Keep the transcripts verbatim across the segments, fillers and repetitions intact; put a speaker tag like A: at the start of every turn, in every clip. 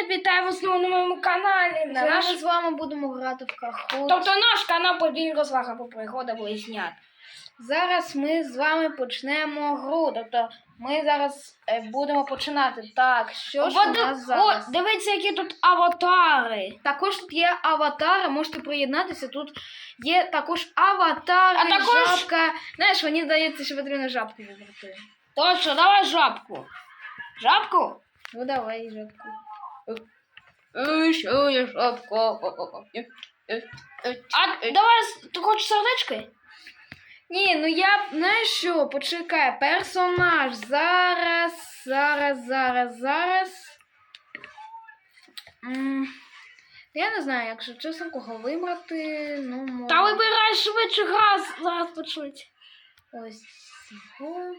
A: привіт! Вітаю вас на моєму каналі. На
B: Зараз
A: наш...
B: ми з вами будемо грати в Кахут.
A: Тобто наш канал подвійні розваг або пригода близнят.
B: Зараз ми з вами почнемо гру. Тобто ми зараз е, будемо починати. Так, що ж у
A: О,
B: нас зараз?
A: О, дивіться, які тут аватари.
B: Також тут є аватари, можете приєднатися. Тут є також аватари,
A: А також-
B: жабка. Знаєш, мені здається, що потрібно жабку вибрати.
A: Точно, давай жабку. Жабку?
B: Ну давай, жабку.
A: Е, Що я жабка? А давай, ти хочеш сердечки?
B: Ні, ну я, знаєш що, почекай, персонаж, зараз, зараз, зараз, зараз. М, Я не знаю, якщо чесно, кого вибрати, ну, може...
A: Та вибирай швидше, газ зараз почнуть.
B: Ось цього.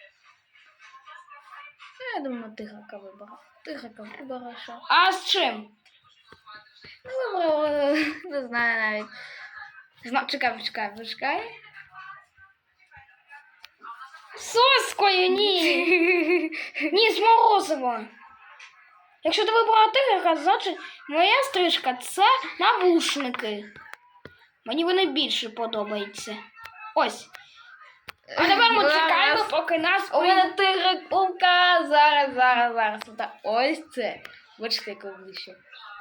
B: Я думаю, тиграка виберу. Тиграка виберу, що?
A: А з чим?
B: Ну, вибрала, не знаю навіть. Зна... Чекай, почекай, почекай.
A: Соскою, ні. Ні, з морозива. Якщо ти вибрала тигрика, значить моя стрижка це навушники. Мені вони більше подобаються. Ось. А тепер ми
B: Зараз.
A: чекаємо, поки нас...
B: У мене тигрик-умка, зараз, зараз, зараз. Та ось це. Бачите, як обличчя.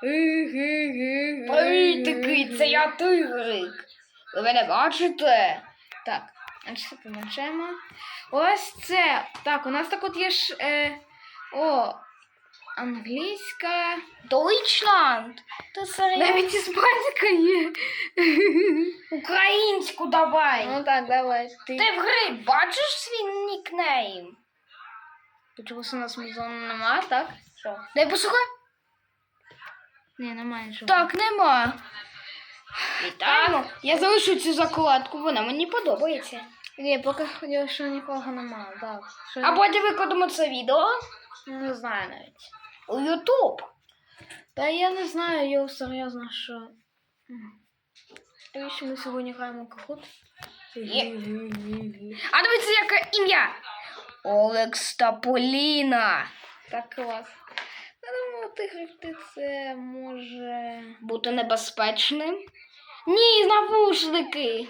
A: Привіт, такий, це я тигрик. Ви мене бачите?
B: Так, значить, помочемо. Ось це. Так, у нас так от є ж. Е, о, англійська.
A: Deutschland. Ти серйозно?
B: Навіть іспанська є.
A: Українську давай.
B: Ну так, давай. Ти.
A: Ти в грі бачиш свій нікнейм?
B: Ти чогось у нас музону нема, так? Що?
A: Дай послухай.
B: Ні, немає нічого.
A: Так, нема. Вітаємо. Я залишу цю закладку, вона мені подобається.
B: Ні, поки хотів, що нікого немає, так. Що...
A: А потім викладемо це відео
B: Не знаю навіть.
A: у Ютуб.
B: Та я не знаю, його серйозно, що... М. Навіщо ми сьогодні граємо Кахут?
A: Є. А дивіться, яке ім'я. Олекс та Поліна.
B: Так, клас. Я думаю, тигрик це може...
A: Бути небезпечним? Ні, навушники.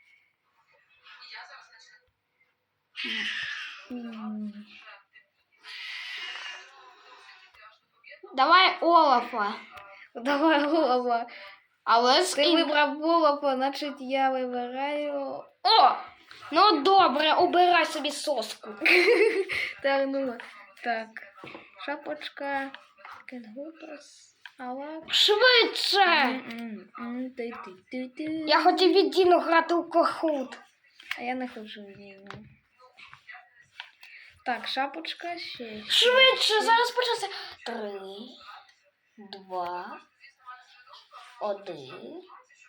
B: М.
A: Давай Олафа.
B: Давай, голова.
A: Але з
B: Ти
A: ім-
B: вибрав голова, значить я вибираю...
A: О! Ну добре, обирай собі соску.
B: Так, ну, так. Шапочка. Кенгутас. Алак.
A: Швидше!
B: М-м-м, ти-ти-ти-ти.
A: Я хотів від Діну грати у Кахут.
B: А я не хочу вільно. Так, шапочка ще.
A: Швидше, зараз почнеться. Три, два, один.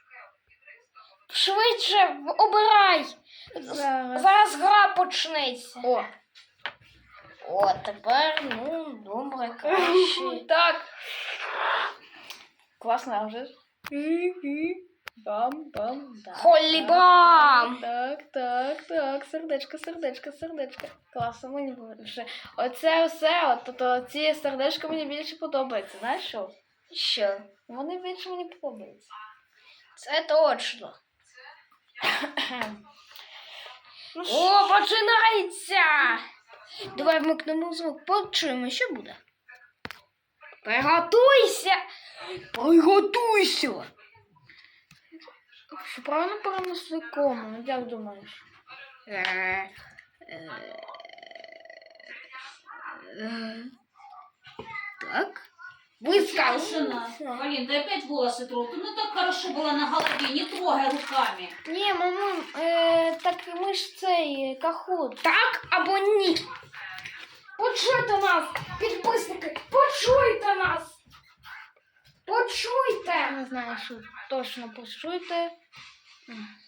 A: Швидше, в- обирай.
B: Зараз.
A: Зараз гра почнеться.
B: О!
A: О, тепер, ну, добре, краще.
B: Так. Класно, а вже ж. Бам-бам.
A: Холлібам!
B: Так, так, так. Сердечко, сердечко, сердечко. Класно, мені більше. Оце все, от, от, ці сердечка мені більше подобаються. Знаєш що?
A: Що?
B: Вони більше мені подобаються.
A: Це точно.
B: Ну,
A: О, починається! Давай вмикнемо звук, почуємо, що буде. Приготуйся! Приготуйся!
B: що правильно перенесли кому? Ну, як думаєш?
A: Е, е, е, Так. Вискался.
C: Полин, ты опять волосы трогай. Ну так хорошо было на голове, не трогай руками.
B: Ні, мамуль, е, так ми ж цей Кахут.
A: Так або ні? Почуйте нас, підписники, почуйте нас! Почуйте!
B: Не знаю, що точно почуйте. М.